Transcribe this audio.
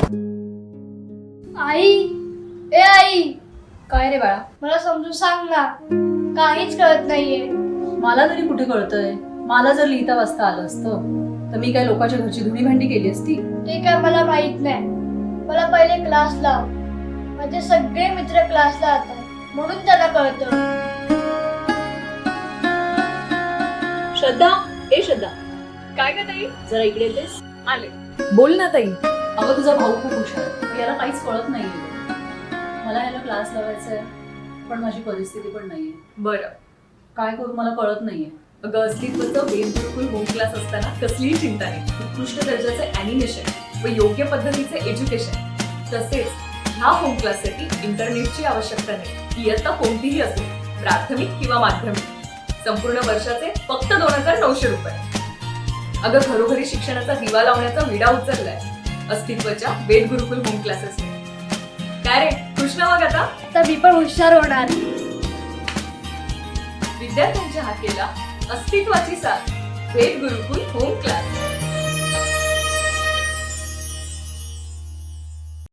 आई, ए आई, काय रे बाळा? मला समजून सांग ना. काहीच कळत नाहीये. मला तरी कुठे कळतंय? मला जर लिहिता वाचता आलं असतं तर मी काय लोकांच्या घरची धुणी भांडी केली असती? ते काय मला माहित नाही. मला पहिले क्लास लाव. माझे सगळे मित्र क्लासला जातात म्हणून त्यांना कळतं. श्रद्धा, ए श्रद्धा, काय ग ताई? जरा इकडे येतेस? आले. बोल ना ताई. अगं तुझा भाऊ खूप हुशार आहे, याला काहीच कळत नाहीये. मला याला क्लास लावायचा आहे पण माझी परिस्थिती पण नाहीये. बरं. काय करू मला कळत नाहीये. अगं अस्तित्वाचं बिलकुल होम क्लास असताना कसलीही चिंता नाही. उत्कृष्ट दर्जाचे ॲनिमेशन व योग्य पद्धतीचे एज्युकेशन, तसेच ह्या होम क्लाससाठी इंटरनेटची आवश्यकता नाही. इयत्ता कोणतीही असो, प्राथमिक किंवा माध्यमिक, संपूर्ण वर्षाचे फक्त 2,900 रुपये. अगं घरोघरी शिक्षणाचा दिवा लावण्याचा विडा उचललाय अस्तित्वाच्या वेद गुरुकुल होम क्लासेसने. काय रे, खुश ना मग आता? आता मी पण हुशार होणार. विद्यार्थ्यांच्या हाकेला अस्तित्वाची साथ, वेद गुरुकुल होम क्लास.